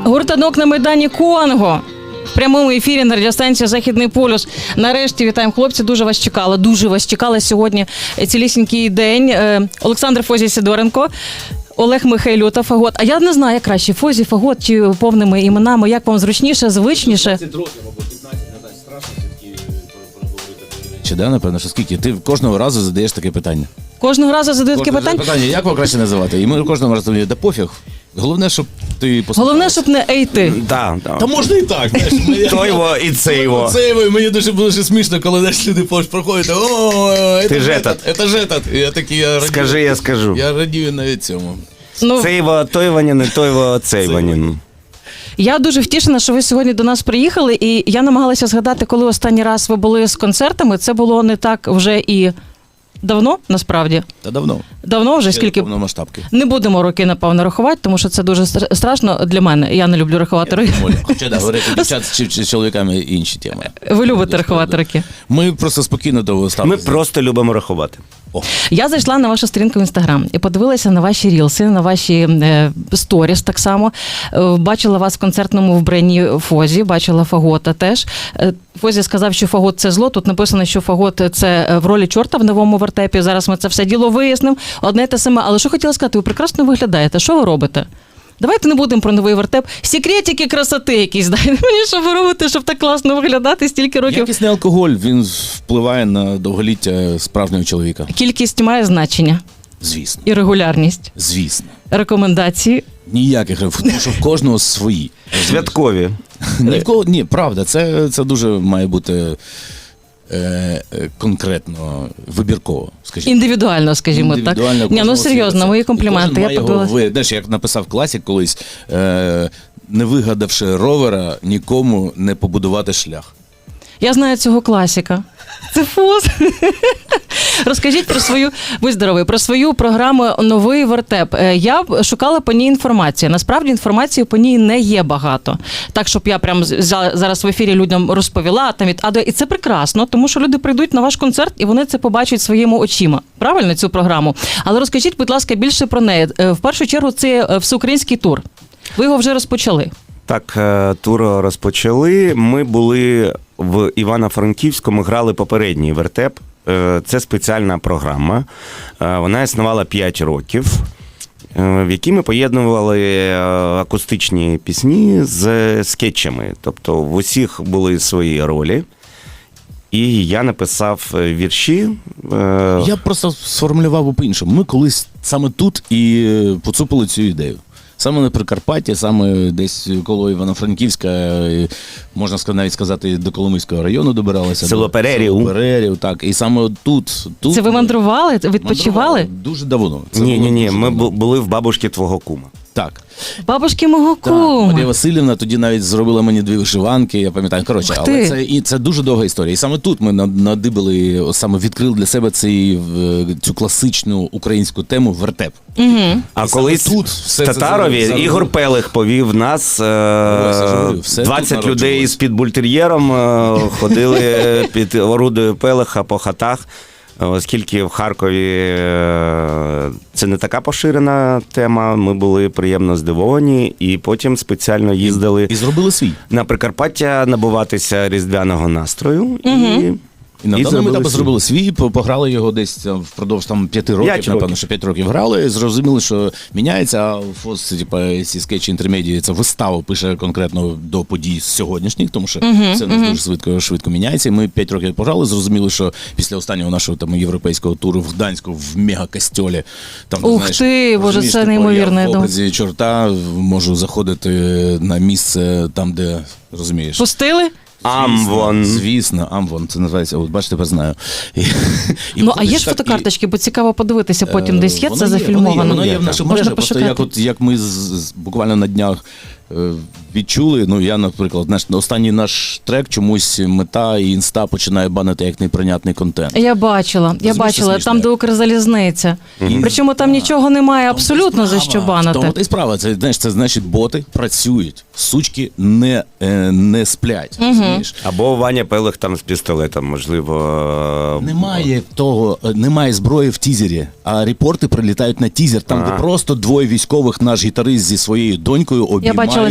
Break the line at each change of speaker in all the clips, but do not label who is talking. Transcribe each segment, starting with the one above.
Гуртанок на Майдані Конго. В прямому ефірі на радіостанції «Західний полюс». Нарешті вітаємо, хлопці, дуже вас чекали сьогодні цілісінький день. Олександр Фозій Сидоренко, Олег Михайлюта, Фагот. А я не знаю, як краще, Фозій, Фагот чи повними іменами, як вам зручніше, звичніше?
15 років, або 15, не знаю, страшно все-таки проговорити. Чи да, напевно, що скільки? Ти кожного разу задаєш таке питання.
Кожного разу задають таке питання?
Як вам краще називати? І ми кожного разу говоримо, да пофіг. Головне, щоб ти послухав.
Головне, щоб не ей ти.
Да.
Та можна і так, знаєш.
То його і це його.
Це його, і мені дуже смішно, коли знаєш, люди проходять,
Ти ж этот.
Это же этот. І я такий, я радію.
Скажи, я скажу.
Я радію навіть цьому.
Ну,
Це його той Ванін, і той його цей Ванін.
я дуже втішена, що ви сьогодні до нас приїхали, і я намагалася згадати, коли останній раз ви були з концертами. Це було не так вже і давно, насправді.
Та давно.
Давно вже,
Ще
скільки...
повномасштабки.
Не будемо роки, напевно, рахувати, тому що це дуже страшно для мене. Я не люблю рахувати роки.
Хоча, да, говорити дівчат чи чоловіками інші теми.
Ви любите рахувати роки?
Ми просто спокійно до
Ми
ставимося.
просто любимо рахувати.
Я зайшла на вашу сторінку в Інстаграм і подивилася на ваші рілси, на ваші сторіс так само. Бачила вас в концертному вбранні Фозі, бачила Фагота теж. Фозі сказав, що Фагот – це зло. Тут написано, що Фагот – це в ролі чорта в новому вертепі. Зараз ми це все діло вияснимо. Одне те саме. Але що хотіла сказати, ви прекрасно виглядаєте. Що ви робите? Давайте не будемо про новий вертеп. Секретики красоти якісь, дайте мені, що ви робите, щоб так класно виглядати стільки років.
Якісний алкоголь, він впливає на довголіття справжнього чоловіка.
Кількість має значення.
Звісно.
І регулярність.
Звісно.
Рекомендації.
Ніяких, тому що в кожного свої.
Святкові.
Ні в кого, ні, правда, це дуже має бути конкретно, вибірково, скажімо.
Індивідуально, скажімо так. Ні, ну серйозно, мої компліменти. Я подивилася.
Знаєш, як написав класик колись, не вигадавши ровера, нікому не побудувати шлях.
Я знаю цього класика. Це Фоз. Розкажіть про свою, будь здоровий, про свою програму «Новий вертеп». Я шукала по ній інформацію. Насправді інформації по ній не є багато. Так, щоб я прямо зараз в ефірі людям розповіла там від А до. І це прекрасно, тому що люди прийдуть на ваш концерт і вони це побачать своїми очима. Правильно, цю програму? Але розкажіть, будь ласка, більше про неї. В першу чергу це всеукраїнський тур. Ви його вже розпочали.
Так, тур розпочали. Ми були в Івано-Франківському, грали попередній вертеп. Це спеціальна програма. Вона існувала 5 років, в якій ми поєднували акустичні пісні з скетчами. Тобто в усіх були свої ролі. І я написав вірші.
Я просто сформулював по-іншому. Ми колись саме тут і поцупили цю ідею. Саме на Прикарпатті, саме десь коло Івано-Франківська, можна навіть сказати, до Коломийського району добиралися.
Село Перерів.
Село Перерів, так. І саме тут...
Це ви мандрували? Відпочивали?
Дуже давно.
Ні, ми були в бабушки твого кума.
Так.
Бабушки мого кума.
Марія Васильівна тоді навіть зробила мені 2 вишиванки, я пам'ятаю. Коротше, але це дуже довга історія. І саме тут ми надибали, саме відкрили для себе цю класичну українську тему вертеп.
Угу.
А колись в Татарові Ігор Пелих повів нас, 20 людей з-під бультер'єром ходили під орудою Пелиха по хатах. Оскільки в Харкові це не така поширена тема, ми були приємно здивовані і потім спеціально їздили
і зробили свій.
На Прикарпаття набуватися різдвяного настрою.
І на даному етапі зробили свій, пограли його десь впродовж 5 років, напевно, що 5 років грали, зрозуміли, що міняється, а Фоз, ці скетчі інтермедії, це виставу пише конкретно до подій сьогоднішніх, тому що все дуже швидко міняється. І ми 5 років пограли, зрозуміли, що після останнього нашого європейського туру в Гданську, в мегакостьолі, там,
ух ти, боже, це неймовірно.
Я в образі чорта можу заходити на місце там, де, розумієш.
Пустили?
Амвон.
Звісно, Амвон, це називається, от бачите, тепер знаю.
Ну, а є ж фотокарточки, бо цікаво подивитися потім, десь є це зафільмовано?
Воно є в нашій мережі, просто як ми буквально на днях відчули, ну я, наприклад, останній наш трек чомусь Мета і Інста починає банити як неприйнятний контент.
Я бачила, там, де Укрзалізниця. Причому там нічого немає абсолютно за що банити.
Тому і справа, це значить боти працюють, сучки не сплять, розумієш?
Або Ваня Пелих там з пістолетом, можливо.
Немає зброї в тізері, а репорти прилітають на тізер, там де просто 2 військових, наш гітарист зі своєю донькою обіймаються.
Сьогодні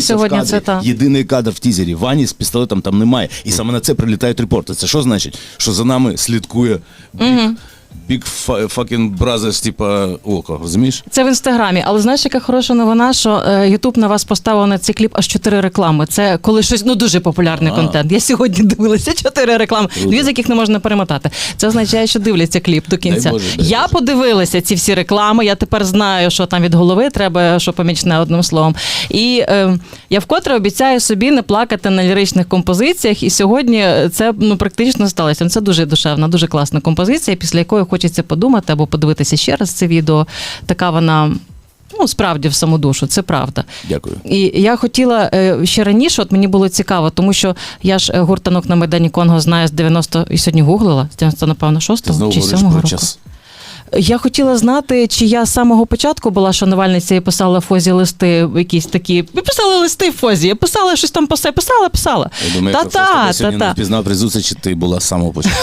це та.
Єдиний кадр в тізері. Вані з пістолетом там немає. І саме на це прилітають репорти. Це що значить? Що за нами слідкує Big fucking brothers, типа, око, розумієш?
Це в Інстаграмі, але знаєш, яка хороша новина, що Ютуб на вас поставив на цей кліп аж 4 реклами. Це коли щось, дуже популярний контент. Я сьогодні дивилася 4 реклами, 2 з яких не можна перемотати. Це означає, що дивляться кліп до кінця. Я подивилася ці всі реклами, я тепер знаю, що там від голови треба, що помічне одним словом. І я вкотре обіцяю собі не плакати на ліричних композиціях, і сьогодні це практично сталося. Це дуже душевна, дуже класна композиція, після якої хочеться подумати або подивитися ще раз це відео. Така вона, справді в саму душу, це правда.
Дякую.
І я хотіла ще раніше, от мені було цікаво, тому що я ж гурт «Танок на Майдані Конго» знаю з 90, і сьогодні гуглила, з 90, напевно, 6-го чи 7-го року.
Час.
Я хотіла знати, чи я з самого початку була шанувальниця і писала Фозі листи якісь такі. Ви писали листи Фозі, я писала щось там писала.
Я думаю, якщо я сьогодні не впізнав при зустрічі, ти була з самого початку.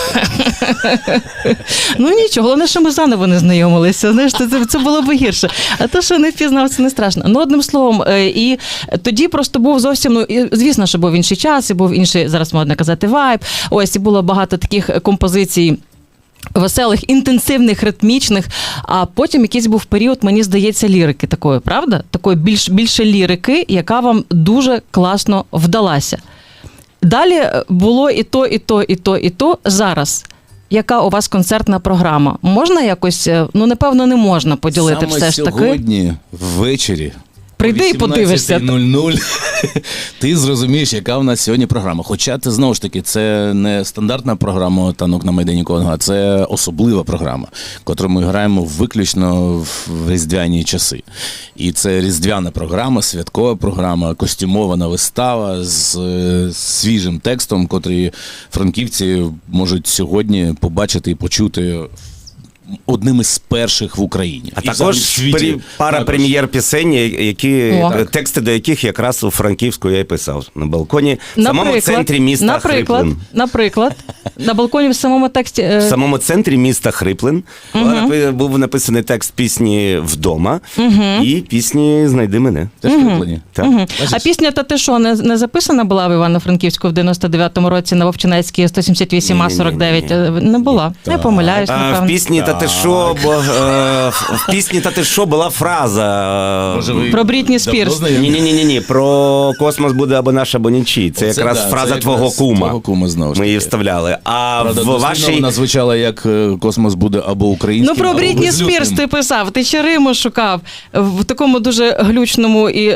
Нічого, головне, що ми заново не знайомилися. Знаєш, це було б гірше. А то, що не впізнав, це не страшно. Одним словом, і тоді просто був зовсім, звісно, що був інший час, і був інший, зараз можна казати, вайб. Ось, і було багато таких композицій, веселих, інтенсивних, ритмічних, а потім якийсь був період, мені здається, лірики такої, правда? Такої більше лірики, яка вам дуже класно вдалася. Далі було і то, і то, і то, і то. Зараз. Яка у вас концертна програма? Можна якось, напевно, не можна поділити
саме
все ж таки?
сьогодні, ввечері,
прийди і подивишся.
18:00 ти зрозумієш, яка в нас сьогодні програма. Хоча це, знову ж таки, це не стандартна програма «Танок на Майдані Конго», а це особлива програма, яку ми граємо виключно в різдвяні часи. І це різдвяна програма, святкова програма, костюмована вистава з свіжим текстом, котрий франківці можуть сьогодні побачити і почути одним із перших в Україні.
А також пара прем'єр пісень, тексти до яких якраз у Франківську я й писав на балконі. В самому центрі міста Хриплин.
Наприклад, на балконі в самому тексті...
В самому центрі міста Хриплин був написаний текст пісні «Вдома» і пісні «Знайди мене».
Теж Хриплині.
А пісня «Та ти що» не записана була в Івано-Франківську в 99-му році на Вовчинецькій 178А49? Не була. Я помиляюсь, напевно.
В пісні «Та ти що», в пісні «Та ти що» була фраза...
Про Брітні Спірс.
Ні, про «Космос буде або наш, або нічий». Це якраз фраза твого кума. Ми її вставляли. А в вашій...
Вона звучала як «Космос буде або українським,
про Брітні Спірс ти писав, ти ще Риму шукав в такому дуже глючному і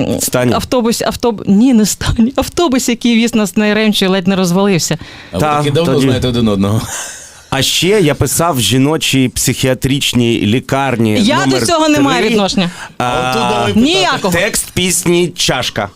Ні, не стані. Автобус, який віз нас на Яремчу, ледь не розвалився.
А ви таки давно знаєте один одного.
А ще я писав в жіночій психіатричній лікарні.
Я до цього не маю відношення. Ніякого.
Текст пісні «Чашка».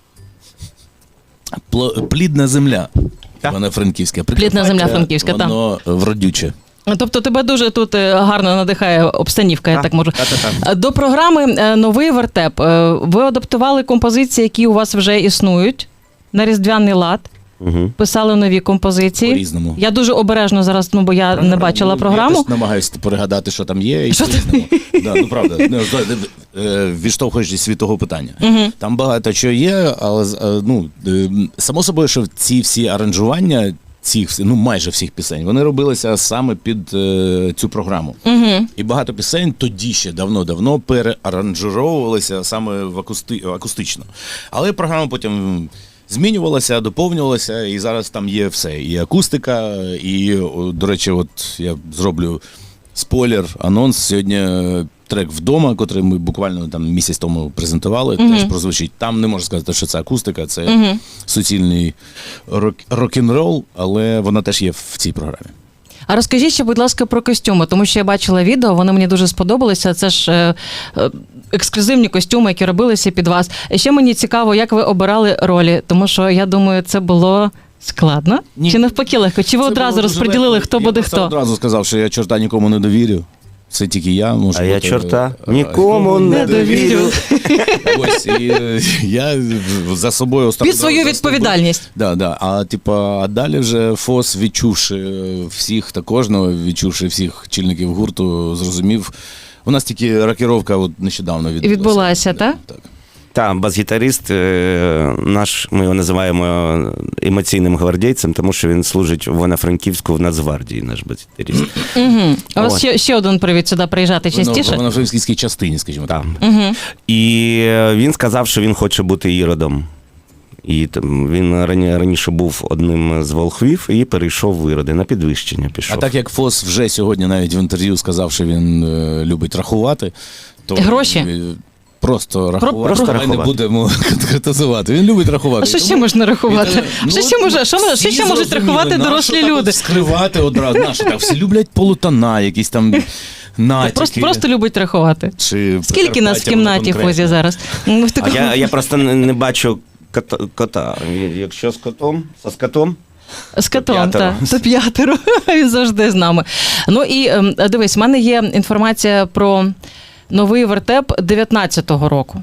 Плідна земля. Вона франківська.
Плідна земля франківська, так.
Воно вродюче.
Тобто тебе дуже тут гарно надихає обстанівка, я так можу. До програми «Новий вертеп» ви адаптували композиції, які у вас вже існують на різдвяний лад. Писали нові композиції.
По-різному.
Я дуже обережно зараз, бо я не бачила програму.
Я теж намагаюся перегадати, що там є. Правда. Відштовхуючись від того питання. Там багато чого є, але само собою, що ці всі аранжування цих, майже всіх пісень, вони робилися саме під цю програму. І багато пісень тоді ще давно-давно переаранжировувалися саме акустично. Але програма потім змінювалася, доповнювалася, і зараз там є все. І акустика, і, до речі, от я зроблю спойлер, анонс. Сьогодні трек «Вдома», котрий ми буквально там місяць тому презентували, теж прозвучить. Там не можна сказати, що це акустика, це суцільний рок-н-рол, але вона теж є в цій програмі.
А розкажіть ще, будь ласка, про костюми, тому що я бачила відео, вони мені дуже сподобалися. Це ж ексклюзивні костюми, які робилися під вас. І ще мені цікаво, як ви обирали ролі, тому що, я думаю, це було складно?
Ні.
Чи навпаки легко? Чи ви одразу розподілили, хто буде хто?
Я одразу сказав, що я чорта нікому не довірю. Це тільки я можу.
А я чорта нікому не довірю.
Ось, і я за собою
під свою відповідальність.
Да. А далі вже ФОС, відчувши всіх та кожного, відчувши всіх чільників гурту, зрозумів. У нас тільки рокіровка нещодавно відбулася.
Відбулася, так?
Так.
Так, бас-гітарист наш, ми його називаємо емоційним гвардійцем, тому що він служить в Івано-Франківську в Нацгвардії, наш бас-гітарист.
У вас ще один привід сюди приїжджати частіше?
В Івано-Франківській частині, скажімо так.
І він сказав, що він хоче бути іродом. І він раніше був одним з волхвів і перейшов в іроди, на підвищення пішов.
А так як Фос вже сьогодні навіть в інтерв'ю сказав, що він любить рахувати, то
гроші?
Просто рахувати.
Просто
Ми
рахувати.
не будемо конкретизувати. Він любить рахувати.
А що ще можна рахувати? Що ще можуть рахувати дорослі люди?
Скривати одразу. Наші так всі люблять полутона, якісь там натяки.
Просто любить рахувати.
Чи
Скільки нас в
Прикарпаття
кімнаті,
конкретно?
Фозі, зараз?
А я просто не бачу кота. Якщо з котом, з котом.
З котом,
п'ятеро.
так. То п'ятеро. Він завжди з нами. Ну і дивись, в мене є інформація про новий вертеп 19-го року.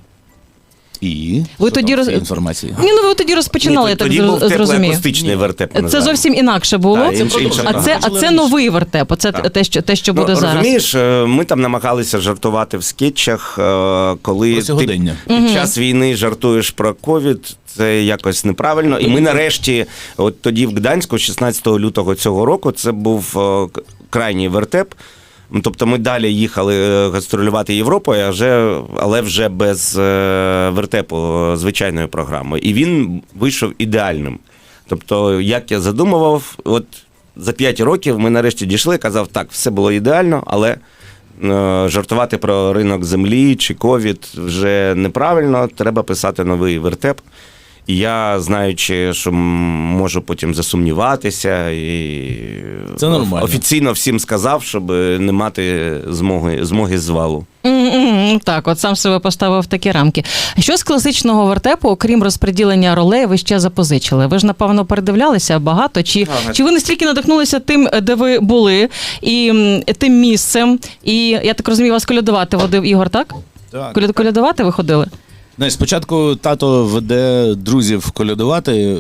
І?
Ви
Що
тоді
там в цій інформації?
Ні, ну ви тоді розпочинали, я так
Тоді був
зрозумію.
теплоакустичний вертеп.
Це
називаємо.
зовсім інакше було.
Так, інша
А
програма.
це новий вертеп, оце те, що буде зараз.
Розумієш, ми там намагалися жартувати в скетчах, коли
Про
ти
сьогодення.
під час війни жартуєш про ковід, це якось неправильно. І ми нарешті, от тоді в Гданську, 16 лютого цього року, це був крайній вертеп. Тобто ми далі їхали гастролювати Європою, але вже без вертепу, звичайної програми. І він вийшов ідеальним. Тобто, як я задумував, от за 5 років ми нарешті дійшли, казав, так, все було ідеально, але жартувати про ринок землі чи ковід вже неправильно, треба писати новий вертеп. І я, знаючи, що можу потім засумніватися, і
Це нормально.
офіційно всім сказав, щоб не мати змоги звалу.
Так, от сам себе поставив в такі рамки. Що з класичного вертепу, окрім розподілення ролей, ви ще запозичили? Ви ж, напевно, передивлялися багато? Чи ви настільки надихнулися тим, де ви були, і тим місцем? І, я так розумію, вас колядувати водив Ігор, так?
Так.
Колядувати ви ходили?
Знаєш, спочатку тато веде друзів колядувати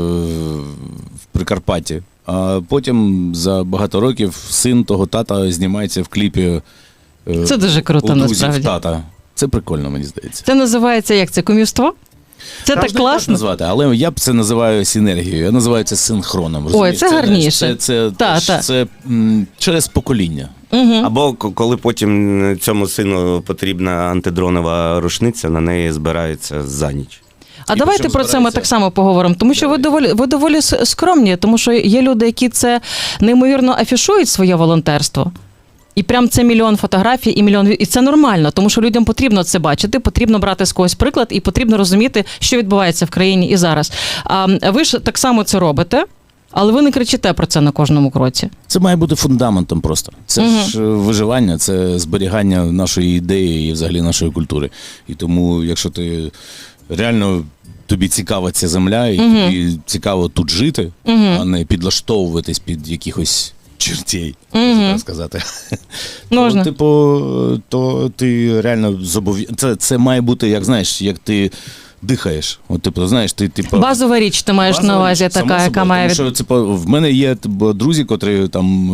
в Прикарпатті, а потім за багато років син того тата знімається в кліпі
Це дуже круто,
у друзів
насправді.
тата. Це прикольно, мені здається.
Це називається, як це, кумівство? Це так
Можна
класно?
назвати, але я б це називаю синергією, я називаю це синхроном. Розумієш?
це гарніше.
Це через покоління.
Або коли потім цьому сину потрібна антидронова рушниця, на неї збирається за ніч.
А
І
давайте
причому
про це ми
збирається-
так само поговоримо, тому що ви доволі скромні, тому що є люди, які це неймовірно афішують своє волонтерство. І прям це мільйон фотографій і мільйон. І це нормально, тому що людям потрібно це бачити, потрібно брати з когось приклад і потрібно розуміти, що відбувається в країні і зараз. А ви ж так само це робите, але ви не кричите про це на кожному кроці.
Це має бути фундаментом просто. Це ж виживання, це зберігання нашої ідеї і взагалі нашої культури. І тому, якщо ти реально тобі цікава ця земля, і тобі цікаво тут жити, а не підлаштовуватись під якихось чертей, можна так сказати.
Можна.
То ти реально це має бути, як знаєш, як ти дихаєш. От, знаєш, ти
Базова річ ти маєш на увазі, така, яка має
Тому що, в мене є друзі, котрі там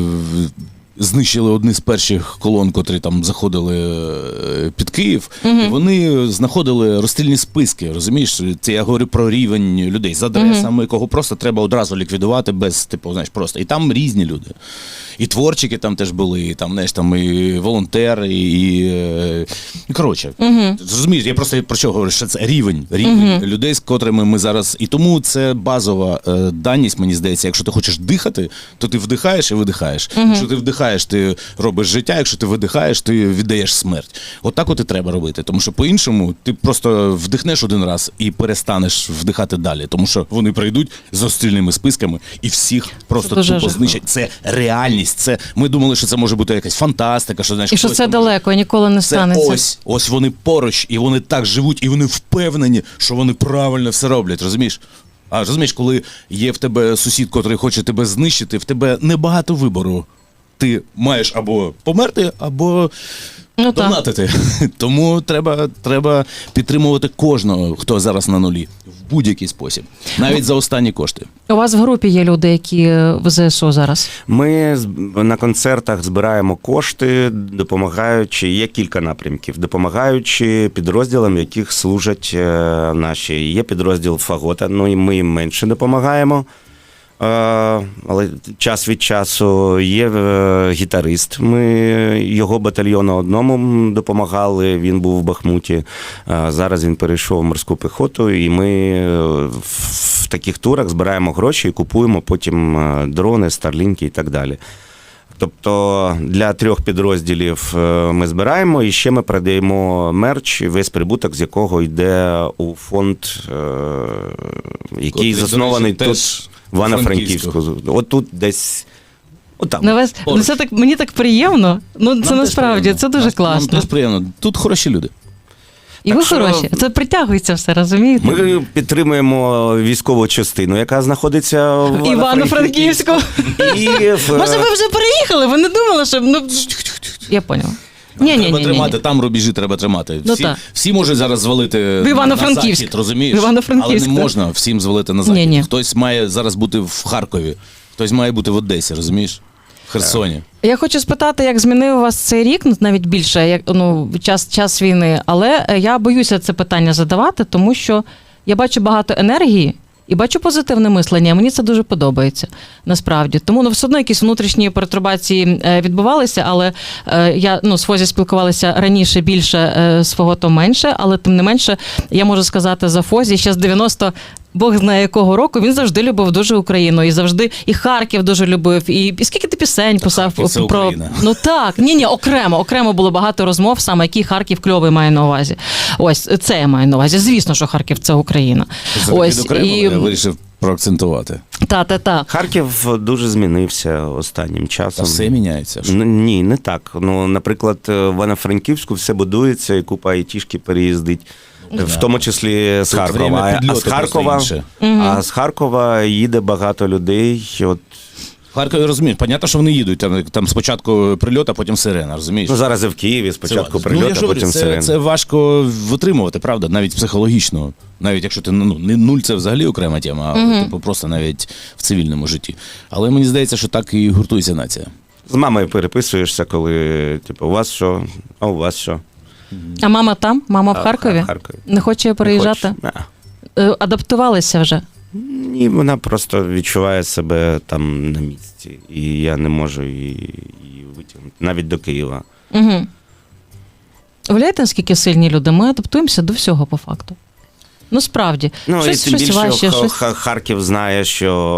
знищили одні з перших колон, котрі там заходили під Київ, і вони знаходили розстрільні списки, розумієш? Це я говорю про рівень людей з адресами, кого просто треба одразу ліквідувати без, знаєш, просто. І там різні люди. І творчики там теж були, і там, знаєш, там і волонтери, і коротше. Розумієш, я просто про що говорю, що це рівень людей, з котрими ми зараз. І тому це базова даність, мені здається. Якщо ти хочеш дихати, то ти вдихаєш і видихаєш. Якщо ти вдихаєш, ти робиш життя, якщо ти видихаєш, ти віддаєш смерть. Отак от і треба робити. Тому що по-іншому ти просто вдихнеш один раз і перестанеш вдихати далі. Тому що вони прийдуть з розстрільними списками і всіх просто
дуже
тупо
жахливо.
знищать. Це реальність. Це ми думали, що це може бути якась фантастика, що знаєш,
І що
хтось
це
там
далеко, і ніколи не
це
станеться.
ось вони поруч, і вони так живуть, і вони впевнені, що вони правильно все роблять, розумієш? А розумієш, коли є в тебе сусід, котрий хоче тебе знищити, в тебе небагато вибору. Ти маєш або померти, або
Ну, так.
донатити. Тому треба підтримувати кожного, хто зараз на нулі, в будь-який спосіб, навіть за останні кошти.
У вас в групі є люди, які в ЗСУ зараз?
Ми на концертах збираємо кошти, допомагаючи, є кілька напрямків, допомагаючи підрозділам, в яких служать наші. Є підрозділ Фагота, ну і ми їм менше допомагаємо. Але час від часу є гітарист. Ми його батальйону одному допомагали, він був в Бахмуті. Зараз він перейшов в морську піхоту, і ми в таких турах збираємо гроші і купуємо потім дрони, старлінки і так далі. Тобто для 3 підрозділів ми збираємо, і ще ми продаємо мерч, весь прибуток з якого йде у фонд, який заснований тут, в Івано-Франківську. От тут десь, отам.
Ну, це так, мені так приємно. Ну, це насправді, це дуже класно.
Нам теж приємно. Тут хороші люди.
І
Так
ви
що-
хороші. Це притягується все, розумієте?
Ми підтримуємо військову частину, яка знаходиться в
Івано-Франківську.
І
Може, ви вже переїхали? Ви не думали, що... Ну... Я поняла.
Треба тримати, там рубежі треба тримати.
Ну,
Всі,
так.
всі можуть зараз звалити
В Івано-Франківськ.
на захід, розумієш?
В Івано-Франківськ,
Але не
так.
можна всім звалити на захід.
Ні-ні.
Хтось має зараз бути в Харкові, хтось має бути в Одесі, розумієш? В Херсоні.
Я хочу спитати, як змінив вас цей рік, ну, навіть більше, як, ну, час війни, але я боюся це питання задавати, тому що я бачу багато енергії і бачу позитивне мислення, мені це дуже подобається, насправді. Тому ну, все одно якісь внутрішні пертурбації відбувалися, але я з Фозі спілкувалася раніше більше, з Фаготом менше, але тим не менше, я можу сказати за Фозі, ще з 90 Бог знає якого року, він завжди любив дуже Україну, і завжди, і Харків дуже любив, і скільки ти пісень писав
Харків – це
про...
Україна.
Ну так, ні, окремо було багато розмов, саме який Харків кльовий має на увазі. Ось, це я маю на увазі. Звісно, що Харків – це Україна.
Ось, я вирішив проакцентувати.
Та.
Харків дуже змінився останнім
Та
часом.
все міняється.
Ні, не так. Ну, наприклад, в Івано-Франківську все будується, і купа айтішки переїздить. В тому числі з
Тут
Харкова.
время
А
підльоту
з Харкова,
просто інше.
а з Харкова їде багато людей. От,
В Харкові, розумієш, понятно, що вони їдуть, там спочатку прильот, а потім сирена, розумієш?
ну, зараз і в Києві спочатку
я
прильот,
ж
а
говорю,
потім
це,
сирена.
це важко витримувати, правда, навіть психологічно. Навіть якщо ти не нуль, це взагалі окрема тема, а типу, просто навіть в цивільному житті. Але мені здається, що так і гуртується нація.
З мамою переписуєшся, коли, типу, у вас що, а у вас що?
А мама там? Мама в Харкові?
В Харкові.
Не хоче переїжджати?
Не хоче.
Адаптувалися вже?
Ні, вона просто відчуває себе там на місці. І я не можу її витягнути, навіть до Києва.
Угу. Уявляєте, наскільки сильні люди? Ми адаптуємося до всього, по факту. Ну, справді.
Ну,
щось
і тим більше
важче, щось...
Харків знає,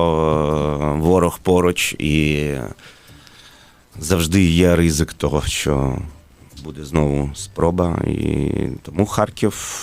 що ворог поруч, і завжди є ризик того, що буде знову спроба. І тому Харків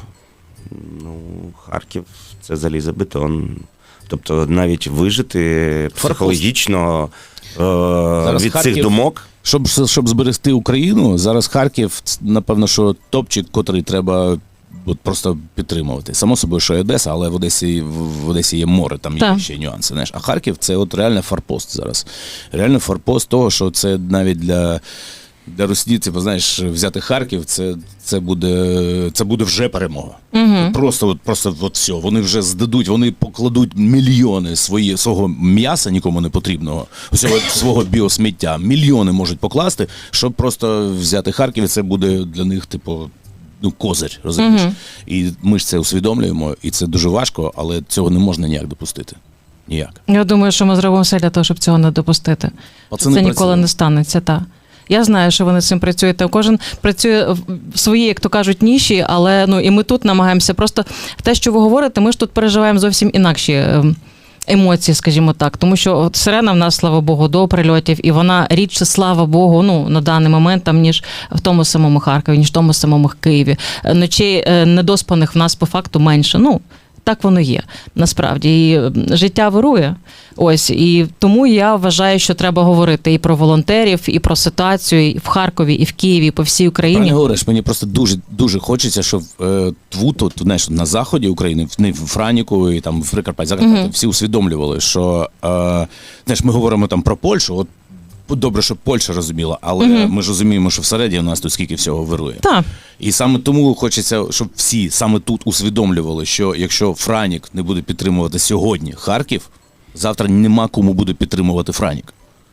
– це залізобетон. Тобто навіть вижити психологічно від
Харків,
цих думок.
Щоб зберегти Україну, зараз Харків, напевно, що топчик, котрий треба просто підтримувати. Само собою, що і Одеса, але в Одесі є море, там є ще нюанси. Знаєш. А Харків – це от реально форпост зараз. Реально форпост того, що це навіть для російців, знаєш, взяти Харків, це буде вже перемога.
Угу.
Просто все. Вони вже здадуть, вони покладуть мільйони свого м'яса, нікому не потрібного, свого біосміття. Мільйони можуть покласти, щоб просто взяти Харків, і це буде для них, типу, козир, розумієш? І ми ж це усвідомлюємо, і це дуже важко, але цього не можна ніяк допустити. Ніяк.
Я думаю, що ми зробимо все для того, щоб цього не допустити. Це ніколи не станеться, так. Я знаю, що вони з цим працюють. Кожен працює в своїй, як то кажуть, ніші, але і ми тут намагаємося. Просто те, що ви говорите, ми ж тут переживаємо зовсім інакші емоції, скажімо так. Тому що от сирена в нас, слава Богу, до прильотів, і вона рідше, слава Богу, на даний момент, там, ніж в тому самому Харкові, ніж в тому самому Києві. Ночей недоспаних в нас по факту менше. Так воно є, насправді. І життя вирує. Ось. І тому я вважаю, що треба говорити і про волонтерів, і про ситуацію і в Харкові, і в Києві, і по всій Україні.
Правильно говориш, мені просто дуже хочеться, щоб тут, знаєш, на заході України, в Франіку і там в Прикарпатті, всі усвідомлювали, що, знаєш, ми говоримо там про Польщу, от добре, що Польща розуміла, але ми ж розуміємо, що всередині у нас тут скільки всього вирує.
Так.
І саме тому хочеться, щоб всі саме тут усвідомлювали, що якщо Франік не буде підтримувати сьогодні Харків, завтра нема кому буде підтримувати Франік.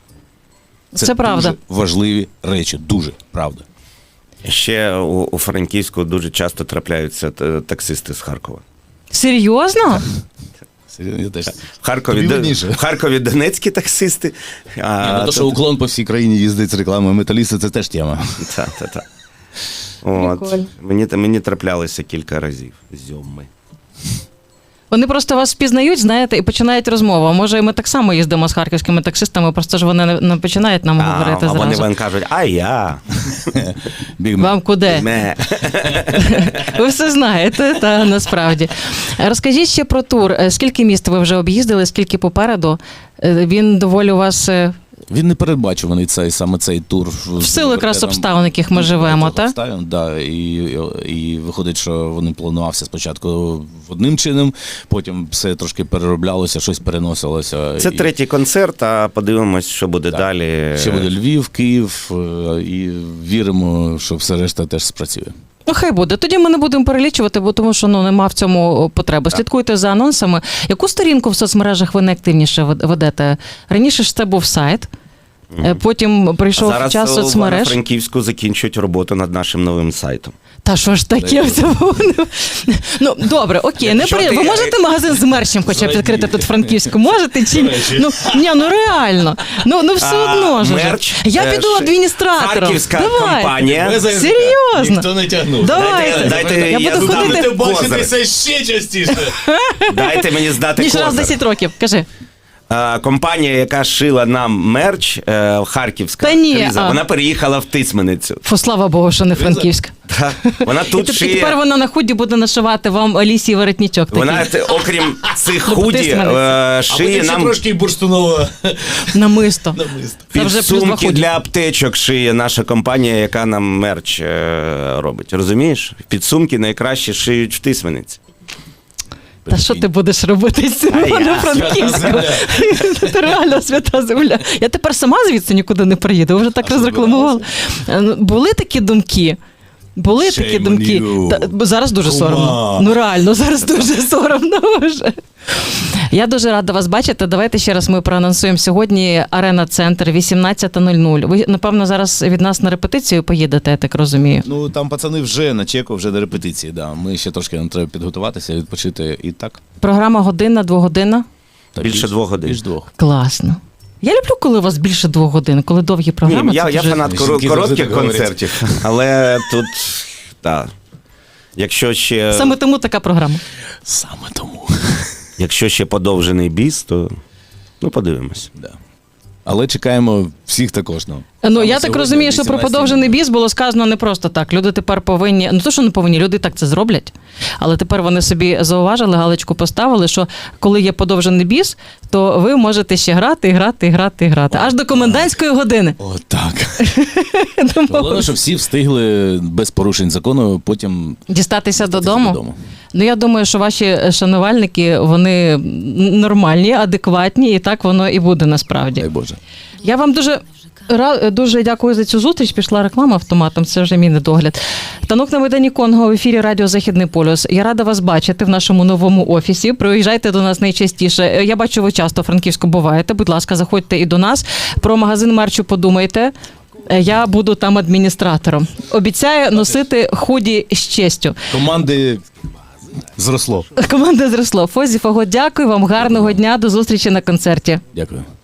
Це правда.
Дуже важливі речі, дуже правда.
Ще у Франківську дуже часто трапляються таксисти з Харкова.
Серйозно?
Я теж.
В Харкові донецькі таксисти.
То, що уклон по всій країні їздить з рекламою металіста, це теж тема.
Так. От. Мені траплялося кілька разів зьоми.
Вони просто вас впізнають, знаєте, і починають розмову. А може, і ми так само їздимо з харківськими таксистами, просто ж вони не починають нам говорити зразу.
А вони вам кажуть, а я.
Вам куди? Ви все знаєте, та насправді. Розкажіть ще про тур. Скільки міст ви вже об'їздили, скільки попереду? Він доволі у вас...
Він не передбачуваний саме цей тур.
В силу якраз обставин, яких ми живемо, так?
Обставин, да, і виходить, що вони планувався спочатку одним чином, потім все трошки перероблялося, щось переносилося.
Це третій концерт, а подивимось, що буде далі.
Ще буде Львів, Київ, і віримо, що все решта теж спрацює.
Ну, хай буде. Тоді ми не будемо перелічувати, бо тому що нема в цьому потреби. Слідкуйте за анонсами. Яку сторінку в соцмережах ви найактивніше ведете? Раніше ж це був сайт, потім прийшов час соцмереж.
Зараз у Франківську закінчують роботу над нашим новим сайтом.
Та що ж таке? Ну, добре, окей. Ви можете магазин з мерчем хоча б відкрити тут в Франківську? Можете чи ні? Ну реально. Ну все одно ж. Я піду адміністратором.
Харківська компанія.
Серйозно? Ніхто не тягнув.
Давайте. Я буду ходити.
Бачитися ще частіше.
Дайте мені знати
ніж
козир.
раз 10 років. Кажи.
Компанія, яка шила нам мерч, харківська, вона переїхала в Тисменицю.
Слава Богу, що не Франківськ.
Вона тут шиє...
І тепер вона на худі буде нашивати вам Алісі воротничок.
Вона, окрім цих худі, шиє нам...
трошки бурштунова.
Намисто.
Підсумки для аптечок шиє наша компанія, яка нам мерч робить. Розумієш? Підсумки найкраще шиють в Тисмениці.
Та що ти будеш робити з цим Івано-Франківськом? Це реально свята земля. Я тепер сама звідси нікуди не приїду, ви вже так розрекламували. Були такі думки? Були такі думки. Зараз дуже соромно. Ну реально, зараз дуже соромно вже. Я дуже рада вас бачити. Давайте ще раз ми проанонсуємо. Сьогодні Арена-центр, 18:00. Ви, напевно, зараз від нас на репетицію поїдете, я так розумію.
Ну, там пацани вже на чеку, вже до репетиції, да. Ми ще трошки нам треба підготуватися, відпочити і так.
Програма годинна, 2 годин?
Більше 2 годин.
Більше 2.
Класно. Я люблю, коли у вас більше 2 годин, коли довгі програми.
Ні, я фанат коротких концертів, але тут, так. Якщо ще...
Саме тому така програма.
Саме тому.
Якщо ще подовжений біс, то подивимось.
Да. Але чекаємо всіх також.
Ну, я так розумію, що про подовжений біс було сказано не просто так. Люди тепер повинні, ну то, що не повинні, люди так це зроблять, але тепер вони собі зауважили, галочку поставили, що коли є подовжений біс, то ви можете ще грати, аж до комендантської години.
Отак. Головне, щоб всі встигли без порушень закону потім
дістатися додому. Ну, я думаю, що ваші шанувальники, вони нормальні, адекватні, і так воно і буде насправді.
Дай Боже.
Я вам дуже дякую за цю зустріч. Пішла реклама автоматом, це вже мій недогляд. Танок на Майдані Конго в ефірі Радіо Західний полюс. Я рада вас бачити в нашому новому офісі. Приїжджайте до нас найчастіше. Я бачу, ви часто в Франківську буваєте. Будь ласка, заходьте і до нас. Про магазин мерчу подумайте. Я буду там адміністратором. Обіцяю носити худі з честю.
Команди зросло.
Команда зросло. Фозі Фого, дякую вам, гарного дня, до зустрічі на концерті.
Дякую.